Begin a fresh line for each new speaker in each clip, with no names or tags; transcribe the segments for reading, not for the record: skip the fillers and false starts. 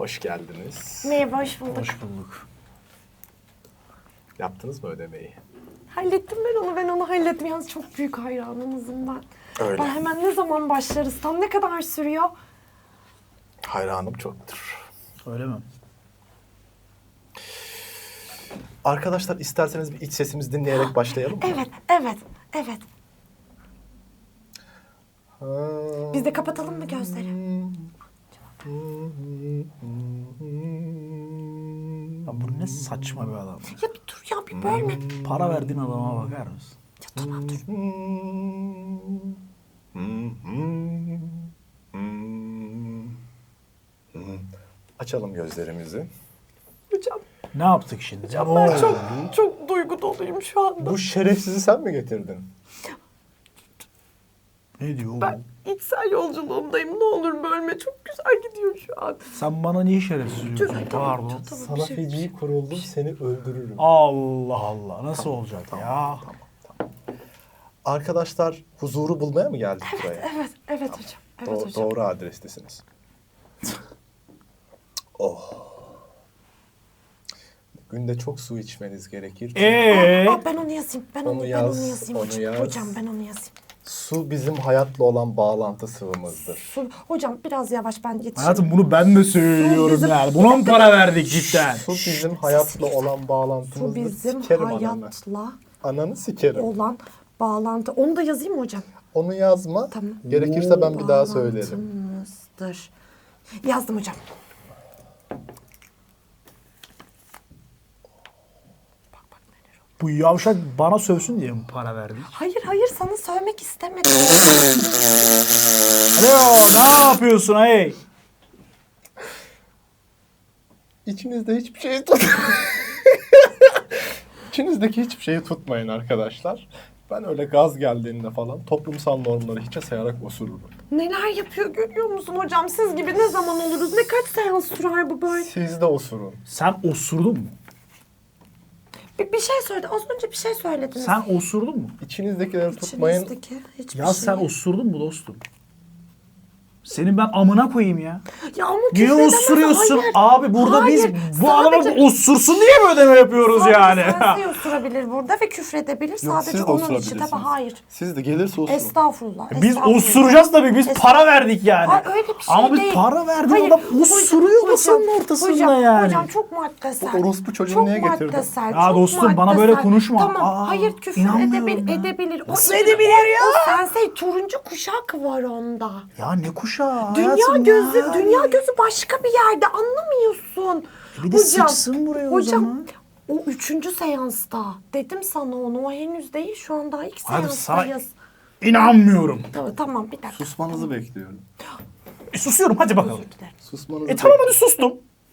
Hoş geldiniz.
Merhaba, hoş bulduk.
Hoş bulduk.
Yaptınız mı ödemeyi?
Hallettim ben onu hallettim. Yalnız çok büyük hayranınızım ben.
Öyle.
Ben hemen ne zaman başlarız? Tam ne kadar sürüyor?
Hayranım çoktur.
Öyle mi?
Arkadaşlar isterseniz bir iç sesimizi dinleyerek başlayalım mı?
Evet. Biz de kapatalım mı gözleri?
Ya bu ne saçma bir adam.
Ya bir dur ya, bir bölme.
Para verdiğin adama bakar mısın?
Ya tamam dur.
Açalım gözlerimizi.
Hocam
Ne yaptık şimdi?
ben
Oo.
çok duygu doluyum şu anda.
Bu şerefsizi sen mi getirdin?
Ne diyor?
Ben içsel yolculuğumdayım. Ne olur bölme. Çok güzel gidiyor şu an.
Sen bana niye şerefsiz diyorsun? Pardon.
Tamam,
Sana
bir şey-
feci kuruldum, seni öldürürüm.
Allah Allah. Nasıl olacak ya?
Arkadaşlar huzuru bulmaya mı geldik buraya?
Evet hocam. Evet hocam.
Doğru adrestesiniz. Oh. Günde çok su içmeniz gerekir. Çünkü
Ben onu yazayım. Ben
Onu
onu
yaz,
yazayım
onu
hocam.
yaz.
Hocam ben onu yazayım.
su bizim hayatla olan bağlantı sıvımızdır.
Hocam biraz yavaş, ben yetişeyim.
Hayatım bunu ben de söylüyorum
bizim-
yani. Buna mı para verdik cidden?
Su bizim hayatla olan
Su
bağlantımızdır.
bizim
Sikerim ananı.
hayatla
Ananı sikerim.
olan bağlantı. Onu da yazayım mı hocam?
Onu yazma.
Tamam.
Gerekirse ben bir daha söylerim.
Bağlantımızdır. Yazdım hocam.
Bu yavşak bana sövsün diye mi para verdik?
Hayır sana söylemek istemedim.
Alo, ne yapıyorsun hey?
İçinizde hiçbir şeyi tut. İçinizdeki hiçbir şeyi tutmayın arkadaşlar. Ben öyle gaz geldiğinde falan toplumsal normları hiçe sayarak osururum.
Neler yapıyor görüyor musun hocam? Siz gibi ne zaman oluruz? Ne kaç seans sürer bu böyle?
Siz de osurun.
Sen osurdun mu?
Bir şey söyledi. Az önce bir şey söylediniz.
Sen osurdun mu?
İçinizdekileri tutmayın.
İçinizdeki hiçbir
Ya
şey.
sen osurdun mu dostum? Senin ben amına koyayım ya.
Ya ama
Niye
küfredemez,
osuruyorsun?
hayır.
Abi burada
Hayır,
biz bu adama
sadece-
osursun diye mi ödeme yapıyoruz yani?
Sadece osurabilir burada ve küfredebilir.
Yok,
Sadece
siz de
onun için.
osurabilirsiniz.
Tabii hayır.
Siz de gelirse osurun.
Estağfurullah.
Biz
estağfurullah.
osuracağız tabii. Biz para verdik yani.
Hayır, öyle bir şey
Ama biz
değil.
para verdik,
Hayır,
adam osuruyor masanın ortasında
hocam,
yani.
Hocam çok maddesel.
Bu orospu çocuğunu
çok
niye getirdin?
maddesel,
Ya
çok
dostum, bana
maddesel.
böyle konuşma.
Tamam
Aa,
hayır küfür
inanmıyorum ya.
edebilir.
Nasıl
O-
edebilir ya?
O sensei turuncu kuşak var onda.
Ya ne kuşağı
Dünya
hayatım
gözü,
ya.
dünya gözü başka bir yerde, anlamıyorsun.
Bir de sıçsın buraya o zaman.
O 3. seansta. Dedim sana onu, o henüz değil. Şu an daha ilk
Hayır,
seanstayız.
İnanmıyorum.
Tamam bir dakika.
Susmanızı bekliyorum.
Susuyorum hadi bakalım.
Özür dilerim.
Susmanızı
Tamam hadi sustum.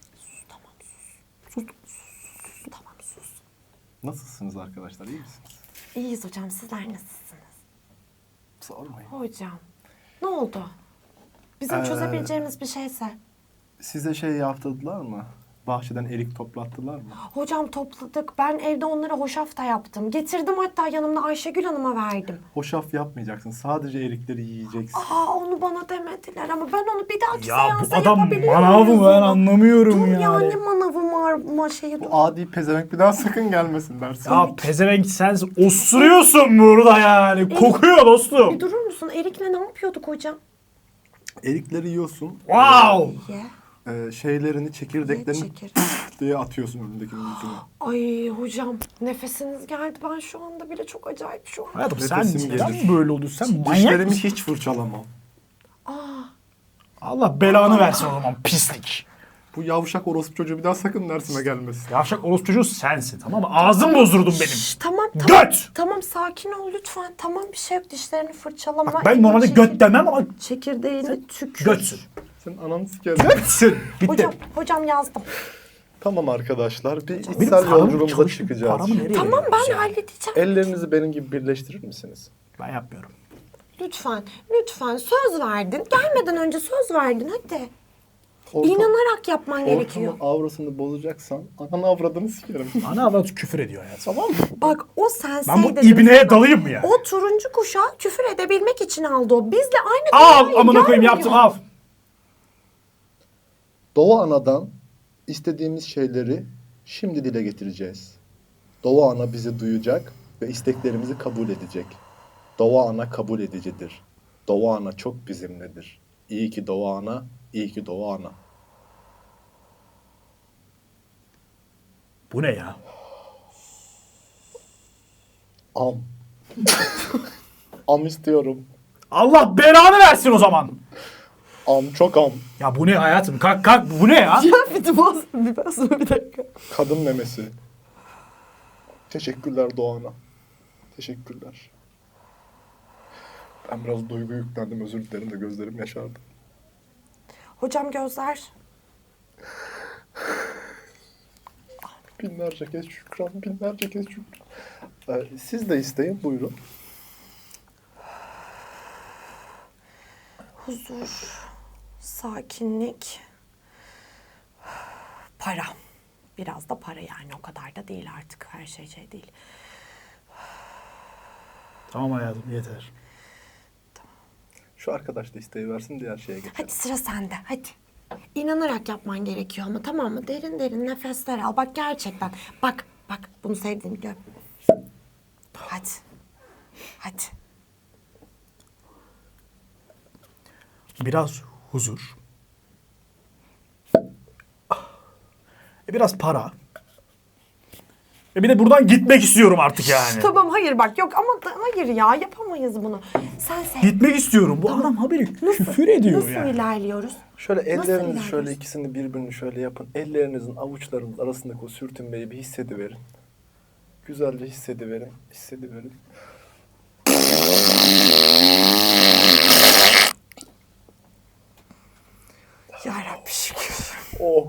Tamam sus.
Nasılsınız arkadaşlar? İyi misiniz?
İyiyiz hocam, sizler nasılsınız?
Sormayın.
Hocam ne oldu? Bizim çözebileceğimiz bir şeyse.
Size şey yaptırdılar mı? Bahçeden erik toplattılar mı?
Hocam topladık. Ben evde onlara hoşafta yaptım. Getirdim, hatta yanımda Ayşegül Hanım'a verdim.
Hoşaf yapmayacaksın. Sadece erikleri yiyeceksin.
Onu bana demediler ama ben onu bir dahaki
Ya
seansa
bu adam
yapabiliyor
manav
muyuz
mı, ben
onu?
anlamıyorum
Dur
yani.
ya, ne manavı var şeyi dur.
Bu adi pezevenk bir daha sakın gelmesin dersin.
Ya pezevenk sen osuruyorsun burada yani. Kokuyor
Bir
dostum.
durur musun? Erik'le ne yapıyorduk hocam?
Erikleri yiyorsun.
Wow.
Ye.
Şeylerini, çekirdeklerini
çekir.
diye atıyorsun önündekinin yüzüne.
Ay hocam, nefesiniz geldi. Ben şu anda bile çok acayip şu an.
Hayatım sen
Nefesim
neden
gelir.
böyle oluyorsun? Sen manyak
Dişlerimi
mısın?
hiç fırçalamam.
Allah belanı versin o zaman pislik.
Bu yavşak orospu çocuğu bir daha sakın dersime gelmesin.
Yavşak orospu çocuğu sensin, tamam mı? Ağzım bozdurdun benim.
Tamam.
Göt!
Tamam, sakin ol lütfen. Tamam, bir şey yok. Dişlerini fırçalama.
Bak ben normalde göt demem ama
Çekirdeğini tükür.
götsün.
Sen ananı sikerim.
Götsün. Bitti.
Hocam yazdım.
Tamam arkadaşlar, bir
Benim
içsel
paramı
yolculuğumuza
çalışıp
çıkacağız.
paramı nereye
Tamam,
veriyoruz
ben
yani?
halledeceğim.
Ellerinizi benim gibi birleştirir misiniz?
Ben yapmıyorum.
Lütfen. Söz verdin. Gelmeden önce söz verdin, hadi.
Ortam-
İnanarak yapman gerekiyor.
Ortamın avrasını bozacaksan ananı avradını sikerim.
Ana avrat küfür ediyor ya, tamam mı?
Bak o sensei
Ben bu
dedim
ibneye
sana.
dalayım mı ya?
O turuncu kuşağı küfür edebilmek için aldı o. Bizle aynı
Al
dünyayı
amına koyayım,
görmüyor.
yaptım al.
Doğa Ana'dan istediğimiz şeyleri şimdi dile getireceğiz. Doğa Ana bizi duyacak ve isteklerimizi kabul edecek. Doğa Ana kabul edicidir. Doğa Ana çok bizimledir. İyi ki Doğa Ana, iyi ki Doğa Ana.
Bu ne ya?
Am. Am istiyorum.
Allah belanı versin o zaman.
Am, çok am.
Ya bu ne hayatım? Kalk bu ne ya?
Ya bir dakika.
Kadın memesi. Teşekkürler Doğan'a. Teşekkürler. Ben biraz duygu yüklendim, özür dilerim de gözlerim yaşardı.
Hocam gözler.
Binlerce kez şükran, binlerce kez şükran. Siz de isteyin, buyurun.
Huzur, sakinlik, para. Biraz da para yani, o kadar da değil artık, her şey değil.
Tamam hayatım yeter.
Şu arkadaş da isteği versin, diğer şeye geçelim.
Hadi sıra sende, hadi. İnanarak yapman gerekiyor ama, tamam mı? Derin derin nefesler al. Bak gerçekten. Bak bunu sevdiğini biliyorum. Hadi. Hadi.
Biraz huzur. Biraz para. Bir de buradan gitmek istiyorum artık yani.
Tamam, hayır bak, yok ama hayır ya, yapamayız bunu. Sen sev.
Gitmek istiyorum. Bu adam haberi küfür ediyor
Nasıl
yani.
ilerliyoruz?
Şöyle
Nasıl
ellerinizi
ilerliyoruz?
şöyle ikisini birbirini şöyle yapın. Ellerinizin avuçlarınız arasındaki o sürtünmeyi bir hissediverin. Güzelce hissediverin, hissediverin.
Yarabbim şükür.
Oh.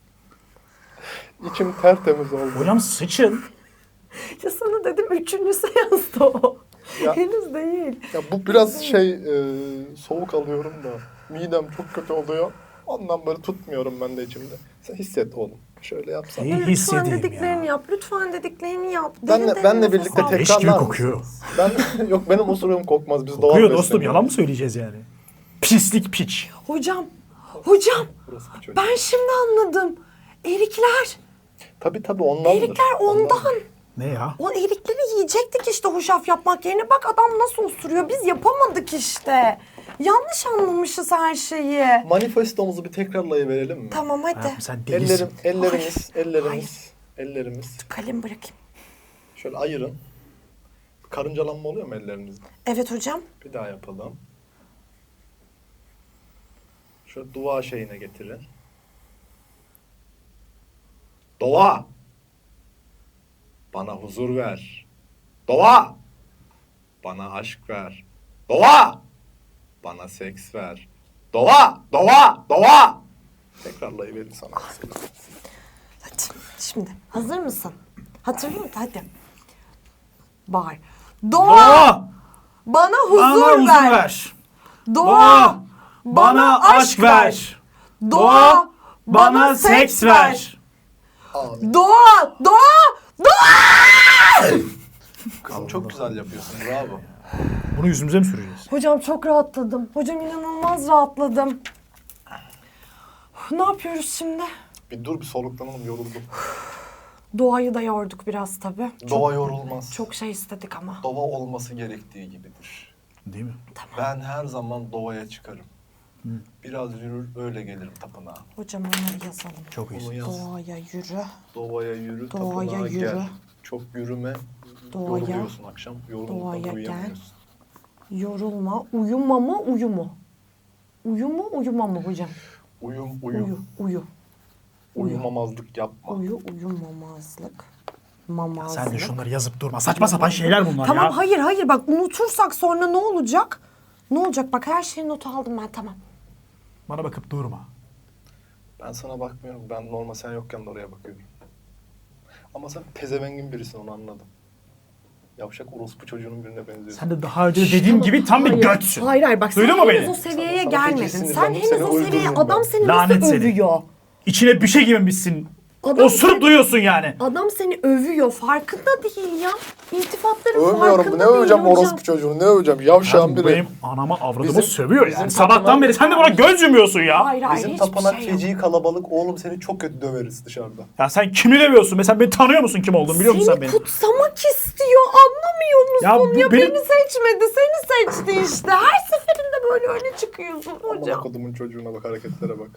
İçim tertemiz oldu.
Hocam sıçın.
Ya sana dedim, 3. seansta o.
Ya.
Henüz değil.
Ya bu biraz soğuk alıyorum da midem çok kötü oluyor. Ondan böyle tutmuyorum ben de içimde. Sen hisset oğlum. Şöyle yapsana.
İyi
Lütfen
hissedeyim
dediklerini
ya.
yap. Lütfen dediklerini yap.
Benle
Derin derin
birlikte
nefes al.
Leş gibi
tekrarlar
kokuyor.
mısınız? Yok benim osuruğum kokmaz. Biz doğal
Kokuyor dostum,
besleniyoruz.
yalan mı söyleyeceğiz yani? Pislik piç.
Hocam.
Burası bir çocuk.
Ben şimdi anladım. Erikler.
Tabii ondandır.
Erikler ondan.
Ne ya?
O erikleri yiyecektik işte hoşaf yapmak yerine. Bak adam nasıl osuruyor. Biz yapamadık işte. Yanlış anlamışız her şeyi.
Manifestomuzu bir tekrarlayıverelim mi?
Tamam hadi.
Hayatım sen delisin.
Ellerimiz.
Kalem bırakayım.
Şöyle ayırın. Karıncalanma oluyor mu ellerinizde?
Evet hocam.
Bir daha yapalım. Şöyle dua şeyine getirin. Doğa! Bana huzur ver. Doğa! Bana aşk ver. Doğa! Bana seks ver. Doğa! Tekrarlayıverin sana.
Hadi şimdi hazır mısın? Hatırlıyor musun? Hadi. Bağır. Doğa! Bana huzur ver. Doğa!
Bana aşk ver.
Doğa! Bana seks ver.
Amin.
Doğa!
Çok güzel yapıyorsun. Bravo.
Bunu yüzümüze mi süreceğiz?
Hocam çok rahatladım. Hocam inanılmaz rahatladım. Ne yapıyoruz şimdi?
Bir dur bir soluklanalım, yoruldum.
Doğayı da yorduk biraz tabii.
Doğa yorulmaz.
Çok şey istedik ama.
Doğa olması gerektiği gibidir.
Değil mi?
Ben her zaman doğaya çıkarım. Biraz yürür öyle gelirim tapınağa.
Hocam onları yazalım.
Çok
Onu
iyisin.
yaz.
Doğaya yürü.
Doğaya yürü,
Doğaya
tapınağa
yürü.
gel. Çok yürüme,
Doğaya-
yoruluyorsun akşam. Yorulmadan
Doğaya gel.
uyuyamıyorsun.
Yorulma. Uyuma mı, uyu mu? Uyu mu, uyuma mı hocam?
Uyu.
Uyu.
Uyumamazlık yapma.
Uyumamazlık. Mamazlık.
Sen de şunları yazıp durma. Saçma sapan şeyler bunlar
Tamam
ya.
hayır bak unutursak sonra ne olacak? Ne olacak? Bak her şeyi not aldım ben, tamam.
Bana bakıp durma.
Ben sana bakmıyorum. Ben normal sen yokken de oraya bakıyorum. Ama sen pezevengin birisin, onu anladım. Yavşak orospu çocuğunun birine benziyorsun.
Sen de daha önce dediğim gibi tam bir götsün.
Hayır bak sen
Duydun mu
henüz
beni?
o seviyeye
Sana
gelmedin.
feci
Sen
sinirlendim,
henüz
seni
o seviyeye,
öldürürüm
adam
ben.
seni
Lanet
nasıl
seni.
övüyor?
İçine bir şey girmemişsin. Osurup duyuyorsun yani.
Adam seni övüyor. Farkında değil ya. İltifatların
Övmüyorum.
farkında
Ne öveceğim
değil hocam.
orospu çocuğunu? Ne öveceğim? Yavşağın
Ya
biri.
benim anama avradımı
Bizim-
sövüyor
bizim
yani. Sabahtan
tapınak-
beri sen de buna göz yumuyorsun ya.
Hayır hayır
Bizim
hiçbir
tapınak
şey yok.
feci kalabalık. Oğlum seni çok kötü döveriz dışarıda.
Ya sen kimi dövüyorsun? Mesela beni tanıyor musun kim olduğumu biliyor musun sen
Seni
beni?
kutsamak istiyor. Anlamıyor musun?
Ya
Ya,
bu benim-
beni seçmedi. Seni seçti işte. Her seferinde böyle öne çıkıyorsun
Amına
hocam.
kodumun çocuğuna bak, hareketlere bak.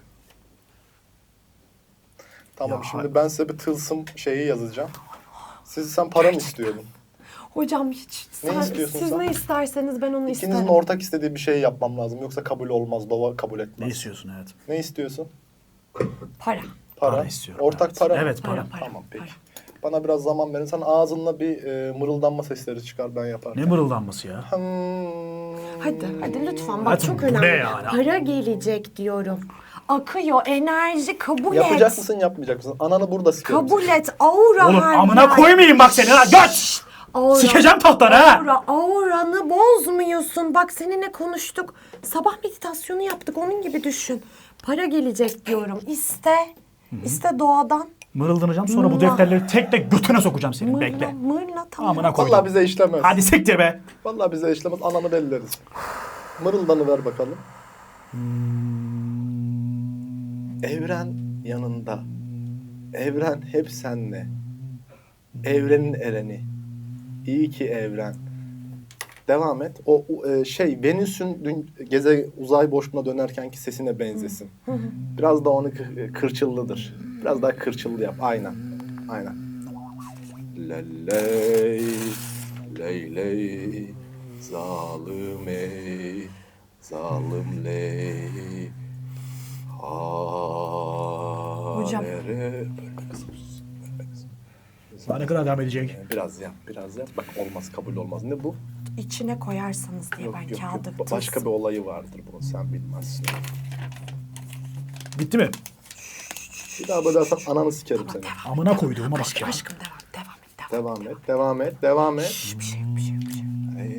Tamam,
Ya
şimdi ben size bir tılsım şeyi yazacağım. Sen para mı istiyordun?
Hocam hiç
Ne istiyorsun
siz
sen?
ne isterseniz ben onu
İkinizin
isterim.
ortak istediği bir şey yapmam lazım. Yoksa kabul olmaz. Doğa kabul
Ne
etmez.
istiyorsun hayatım?
Ne istiyorsun?
Para.
Para.
Para istiyorum,
Ortak
evet.
para mı?
Evet, para.
Tamam peki.
para.
Bana biraz zaman verin. Sen ağzınla bir mırıldanma sesleri çıkar, ben yaparım.
Ne mırıldanması ya?
Hadi lütfen bak
Hayatım,
çok
bu ne
önemli.
yani?
Para gelecek diyorum. Akıyor enerji kabul
Yapacak
et.
mısın, yapmayacak mısın? Ananı burada sikerim.
Kabul et aura
Oğlum
her
amına
yer.
koymayayım bak seni lan göt!
Aura.
Sikeceğim tahtları ha!
Auranı bozmuyorsun. Bak seninle konuştuk. Sabah meditasyonu yaptık. Onun gibi düşün. Para gelecek diyorum. İste. İste doğadan.
Mırıldanacağım sonra bu
Mırla.
defterleri tek tek götüne sokacağım senin
Mırla,
bekle.
mırla tamam.
Amına koydum.
Vallahi bize işlemez.
Hadi siktir be.
Vallahi bize işlemez. Ananı belleriz. Mırıldanı ver bakalım. Evren yanında. Evren hep senle. Evrenin ereni. İyi ki evren. Devam et. Venüs'ün uzay boşluğuna dönerkenki sesine benzesin. Biraz da onu kırçıllıdır. Biraz daha kırçıllı yap. Aynen. Aynen. Ley ley ley zalim ey zalim ley
Hocam.
Bölme kızım. Bölme kızım.
Daha ne kadar devam edecek?
Biraz yap, biraz yap. Bak olmaz, kabul olmaz. Ne bu?
İçine koyarsanız diye
Yok
ben
yok
kağıdı
yok. Başka bir olayı vardır bunun, sen bilmezsin.
Bitti mi?
Bir daha böyle dersen ananı sikerim seni.
Amına koyduğuma bak ya.
Aşkım devam et.
Devam et, devam et.
Bir şey yok, bir şey yok, bir şey yok.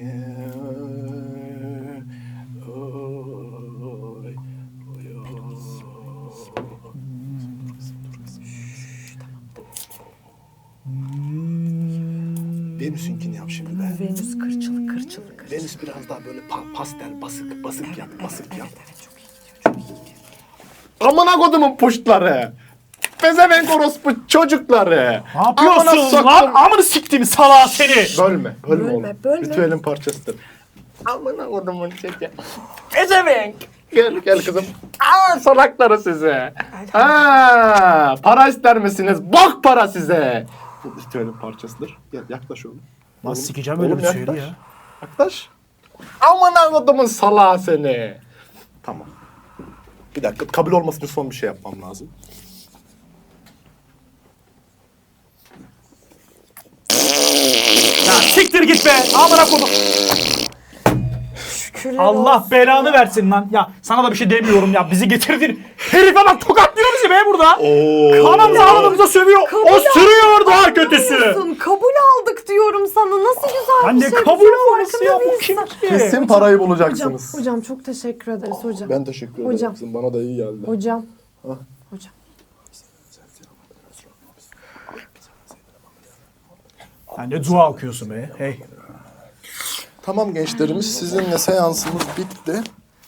Venüs'ünkini yap şimdi be.
Venüs kırçılı.
Venüs biraz daha böyle pastel, basık yap, basık yap.
Evet çok iyi gidiyor, çok iyi gidiyor.
Amına kodumun puştları. Pezevenk orospu çocukları.
Ne yapıyorsun
Amına
lan?
soktum.
Amını siktim salağı seni.
Bölme
Bölme,
oğlum.
bölme.
Ritüelin parçasıdır. Amına kodumun çocuğu. Pezevenk. Gel kızım. Salakları size. Para ister misiniz? Bok para size. Bu ritüelin parçasıdır. Gel yaklaş oğlum.
Lan
Oğlum,
sikeceğim öyle
oğlum
bir şeydi
yaklaş.
ya.
Yaklaş. Amına kodumun salağı seni. Tamam. Bir dakika, kabul olması için son bir şey yapmam lazım.
Ya siktir git be. Amına koydum.
Şükürler
Allah
olsun.
belanı versin lan. Ya sana da bir şey demiyorum ya. Bizi getirdin. Herife bak tokatlıyor bizi be burada. Kanımıza ağlamamıza sövüyor. O sürüyor daha kötüsü.
Alıyorsun, kabul aldık diyorum sana. Nasıl güzel
Anne
bir şey.
kabul
Bizim
olması ya.
farkında
Bu kim
değilsin.
ki?
Kesin parayı
Hocam,
bulacaksınız.
hocam çok teşekkür ederiz hocam.
Ben teşekkür ederim
Hocam.
kızım. Bana da iyi geldi.
Hocam.
Ha?
Hocam.
Sen ne dua okuyorsun be. Hey.
Tamam gençlerimiz, sizinle seansımız bitti.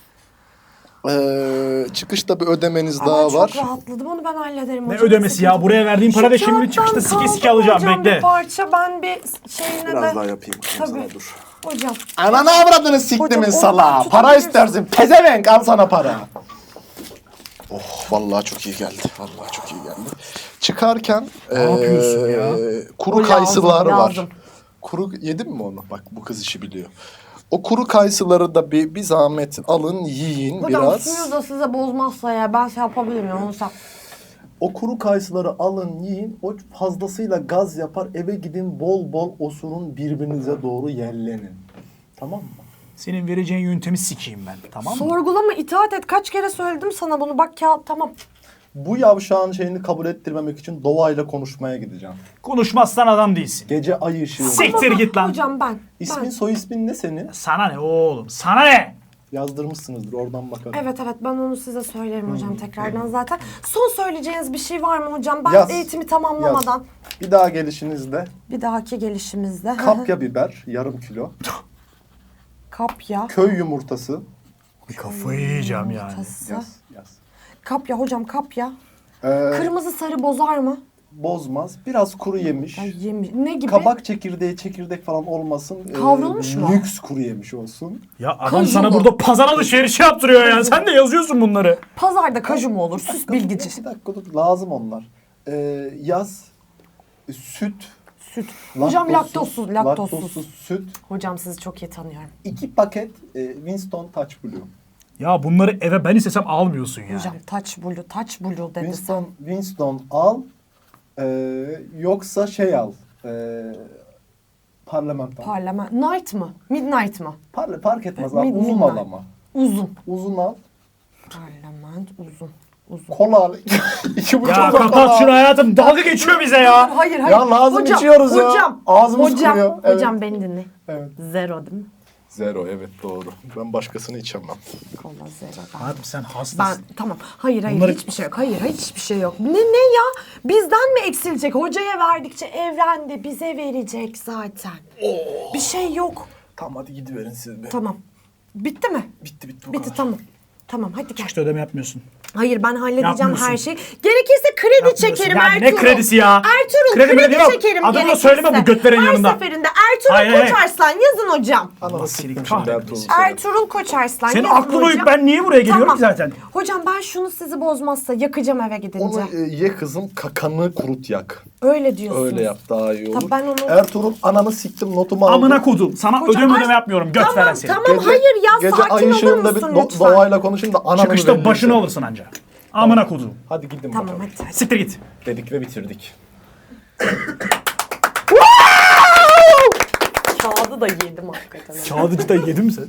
Çıkışta bir ödemeniz
Ama
daha
çok
var.
rahatladım. Onu ben hallederim
Ne
hocam.
ödemesi ya? Buraya verdiğin para da şimdi çıkışta sike sike alacağım.
Hocam
Bekle.
bir parça ben bir şeyine
Biraz
de...
daha yapayım kızım
Tabii.
sana, dur.
Hocam.
Ananı avradını siktimin
Hocam,
salağı.
onu
Para
tutabilirsin.
istersin. Pezevenk, al sana para. Oh vallahi çok iyi geldi. Vallahi çok iyi geldi. Çıkarken
yapıyorsun ya?
kuru
O lazım,
kayısılar var.
lazım.
Kuru yedin mi onu? Bak bu kız işi biliyor. O kuru kayısıları da bir zahmet alın, yiyin
Hocam
biraz.
suyu da size bozmazsa ya ben şey yapabilirim ya onu sen.
O kuru kayısıları alın, yiyin. O fazlasıyla gaz yapar. Eve gidin, bol bol osurun, birbirinize doğru yellenin. Tamam mı?
Senin vereceğin yöntemi sikeyim ben. Tamam mı?
Sorgulama, itaat et. Kaç kere söyledim sana bunu. Bak kağıt tamam.
Bu yavşağın şeyini kabul ettirmemek için doğayla konuşmaya gideceğim.
Konuşmazsan adam değilsin.
Gece ay ışığı.
Siktir git lan.
Hocam ben.
İsmin,
ben.
soy ismin ne senin?
Sana ne oğlum? Sana ne?
Yazdırmışsınızdır, oradan bakalım.
Evet ben onu size söylerim hocam tekrardan zaten. Son söyleyeceğiniz bir şey var mı hocam? Ben
Yaz.
eğitimi tamamlamadan.
Yaz. Bir daha gelişinizde
Bir dahaki gelişimizde.
kapya biber yarım kilo,
Kapya.
köy yumurtası.
Bir kafayı yiyeceğim yani.
Yumurtası.
Yaz.
Kapya hocam kapya.
Ee,
Kırmızı sarı bozar mı?
bozmaz. Biraz kuru yemiş.
Ay, ne gibi?
Kabak çekirdeği, çekirdek falan olmasın.
Kavrulmuş mu?
Lüks kuru yemiş olsun.
Ya adam
Kaju
sana
mu?
burada pazar alışverişi yaptırıyor yani. Sen de yazıyorsun bunları.
Pazarda kaju mu olur? Süs bilgici.
Bir dakika dur, lazım onlar. Yaz. Süt.
Süt. Hocam laktozsuz.
Laktozsuz süt.
Hocam sizi çok iyi tanıyorum.
2 paket Winston Touch Blue.
Ya bunları eve ben istesem almıyorsun ya.
Hocam touch blue dedi sen.
Winston al. Yoksa şey al. Parlamento.
Night mı? Midnight mı?
Fark etmez abi. Uzun
Midnight.
al ama.
Uzun.
Uzun al.
Parlament uzun.
Kola al. 2,5
Ya
kola al.
kapat şunu hayatım. Dalga geçiyor bize ya.
Hayır.
Ya lazım,
hocam,
içiyoruz ya.
hocam,
Ağzımız
hocam,
kuruyor. Evet.
Hocam beni dinle.
Evet.
Zero değil mi?
Zero, evet doğru. Ben başkasını içemem.
Kola zero.
Abi sen hastasın.
Ben tamam. Hayır
Bunları-
hiçbir şey yok. Hayır hiçbir şey yok. Ne ya? Bizden mi eksilecek? Hocaya verdikçe evrende bize verecek zaten. Bir şey yok.
Tamam hadi gidiverin siz be.
Tamam. Bitti mi?
Bitti bu
Bitti
kadar.
tamam. Tamam hadi gel.
İşte ödeme yapmıyorsun.
Hayır ben halledeceğim
Yapmıyorsun.
her şeyi. Gerekirse kredi
Yapmıyorsun.
çekerim
Ya
Ertuğrul.
ne kredisi ya?
Ertuğrul
Kredi
kredi,
mredi yok.
çekerim
Adını da
gerekirse.
söyleme bu götlerin yanında.
Her seferinde Ertuğrul
Hayır, hayır.
Koçarslan yazın hocam.
Ananı
seni
siktim şimdi
kahretmesin.
Ertuğrul.
Ertuğrul Koçarslan
Senin
yazın
aklın
hocam.
uyup ben niye buraya geliyorum ki zaten?
Hocam ben şunu sizi bozmazsa yakacağım eve gidince.
Onu ye kızım, kakanı kurut yak.
Öyle diyorsunuz.
Öyle yap daha iyi olur.
Tabii ben onu-
Ertuğrul ananı siktim notumu aldım.
Amına kodum. Sana
Hocam,
ödeme yapmıyorum. Göt veren seni.
Tamam hayır ya
Gece
sakin
ay
olur
ışığında bir
musun lütfen?
doğayla konuşayım da ananı
Çıkışta
belli
başını
etsin.
alırsın anca. Amına kodum.
Hadi gidin
Tamam
bakalım.
hadi.
Siktir git.
Dedik ve bitirdik.
Kağıdı da yedim hakikaten.
Kağıdıcı da yedin mi sen?